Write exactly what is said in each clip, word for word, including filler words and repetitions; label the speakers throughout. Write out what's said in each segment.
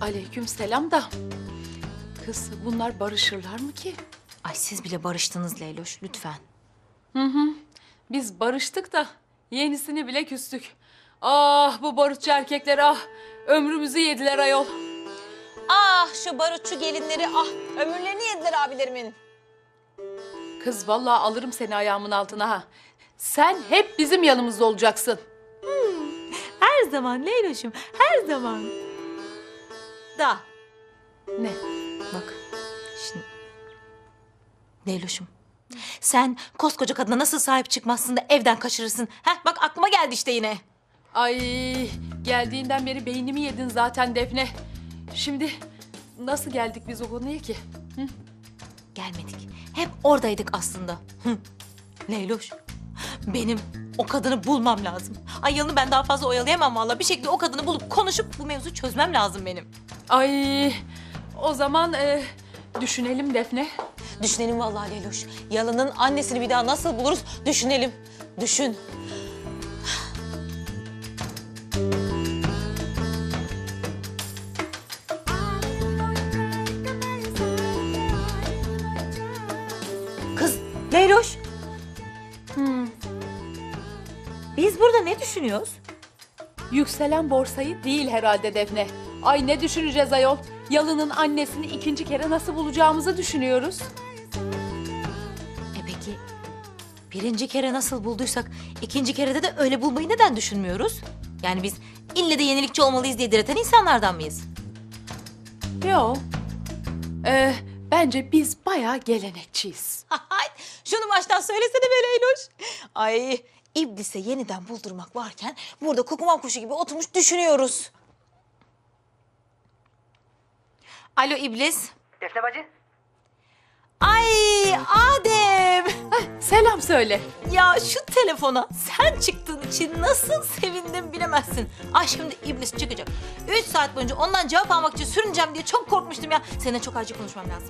Speaker 1: Aleyküm selam da. Kız bunlar barışırlar mı ki?
Speaker 2: Ay siz bile barıştınız Leyloş lütfen.
Speaker 1: Hı hı. Biz barıştık da yenisini bile küstük. Ah bu barutçu erkekler ah. Ömrümüzü yediler ayol.
Speaker 2: Ah şu barutçu gelinleri ah ömürlerini yediler abilerimin.
Speaker 1: Kız vallahi alırım seni ayağımın altına ha. Sen hep bizim yanımızda olacaksın.
Speaker 2: Her zaman Leyloş'um her zaman. Da.
Speaker 1: Ne?
Speaker 2: Bak şimdi. Leyloş'um sen koskoca kadına nasıl sahip çıkmazsın da evden kaçırırsın? Heh bak aklıma geldi işte yine.
Speaker 1: Ay geldiğinden beri beynimi yedin zaten Defne. Şimdi nasıl geldik biz o konuya ki? Hı?
Speaker 2: Gelmedik. Hep oradaydık aslında. Hı. Leyloş, benim o kadını bulmam lazım. Ay Yalın'ı ben daha fazla oyalayamam vallahi. Bir şekilde o kadını bulup konuşup bu mevzuyu çözmem lazım benim.
Speaker 1: Ay o zaman e, düşünelim Defne.
Speaker 2: Düşünelim vallahi Leyloş. Yalın'ın annesini bir daha nasıl buluruz düşünelim. Düşün. Kız Leyloş.
Speaker 1: Hmm.
Speaker 2: Biz burada ne düşünüyoruz?
Speaker 1: Yükselen borsayı değil herhalde Defne. Ay ne düşüneceğiz ayol? Yalın'ın annesini ikinci kere nasıl bulacağımızı düşünüyoruz.
Speaker 2: E peki birinci kere nasıl bulduysak ikinci kerede de öyle bulmayı neden düşünmüyoruz? Yani biz ille de yenilikçi olmalıyız diye direten insanlardan mıyız?
Speaker 1: Yo. Ee, bence biz bayağı gelenekçiyiz.
Speaker 2: Hay, şunu baştan söylesene be Leyloş. Ay iblise yeniden buldurmak varken burada kukuman kuşu gibi oturmuş düşünüyoruz. Alo iblis.
Speaker 3: Defne bacı.
Speaker 2: Ay Adem.
Speaker 1: Selam söyle.
Speaker 2: Ya şu telefona sen çıktığın için nasıl sevindim bilemezsin. Ay şimdi iblis çıkacak. Üç saat boyunca ondan cevap almak için sürüneceğim diye çok korkmuştum ya. Seninle çok acil konuşmam lazım.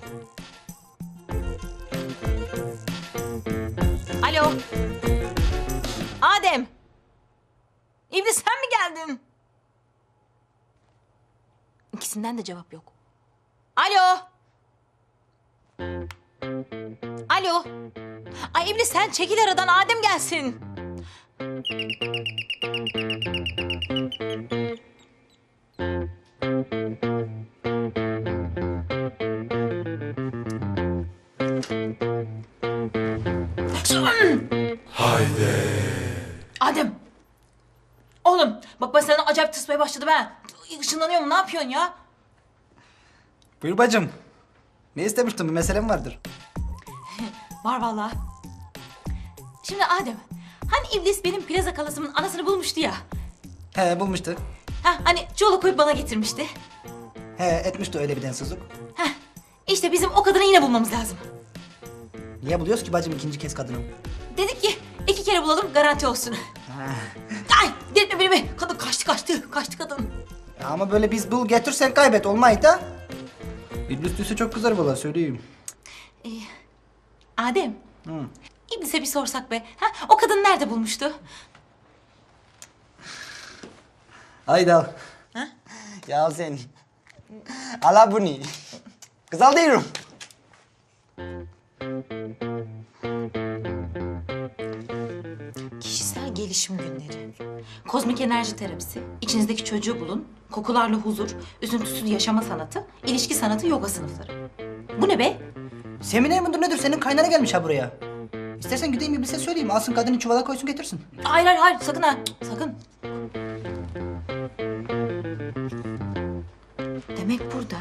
Speaker 2: Alo. Adem. İblis sen mi geldin? İkisinden de cevap yok. Alo. Alo. Ay İblis sen çekil aradan Adem gelsin.
Speaker 4: Haydi.
Speaker 2: Adem. Oğlum bak ben sana acayip tırsmaya başladım ha. Işınlanıyorum ne yapıyorsun ya?
Speaker 3: Buyur bacım. Ne istemiştin? Bir meselem vardır.
Speaker 2: Var vallahi. Şimdi Adem, hani İblis benim plaza kalasımın anasını bulmuştu ya.
Speaker 3: He bulmuştu.
Speaker 2: Ha hani çoluk koyup bana getirmişti.
Speaker 3: He etmişti öyle bir densizlik.
Speaker 2: Ha işte bizim o kadını yine bulmamız lazım.
Speaker 3: Niye buluyoruz ki bacım ikinci kez kadını?
Speaker 2: Dedik ki iki kere bulalım garanti olsun.
Speaker 3: Ha.
Speaker 2: Ay delirtme beni be. Kadın kaçtı kaçtı. Kaçtı kadın.
Speaker 3: Ya ama böyle biz bul getir sen kaybet olmayı da. İblis düşse çok kızar valla söyleyeyim.
Speaker 2: Ee, Adem.
Speaker 3: Hı.
Speaker 2: İblis'e bir sorsak be. Ha o kadın nerede bulmuştu?
Speaker 3: Haydi al.
Speaker 2: Ha?
Speaker 3: Ya sen. Ala bunu. Kız al diyorum.
Speaker 2: Kişisel gelişim günleri. Kozmik enerji terapisi. İçinizdeki çocuğu bulun. Kokularla huzur. Üzüntüsüz yaşama sanatı. İlişki sanatı yoga sınıfları. Bu ne be?
Speaker 3: Seminer midir nedir? Senin kaynana gelmiş ha buraya. İstersen gideyim İblis'e söyleyeyim. Alsın kadını çuvala koysun getirsin.
Speaker 2: Hayır hayır hayır sakın ha. Sakın. Demek burada.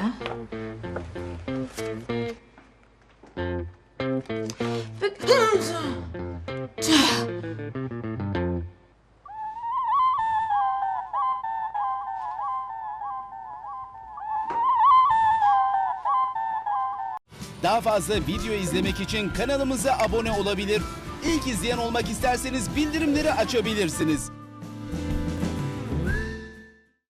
Speaker 4: Daha fazla video izlemek için kanalımıza abone olabilir. İlk izleyen olmak isterseniz bildirimleri açabilirsiniz.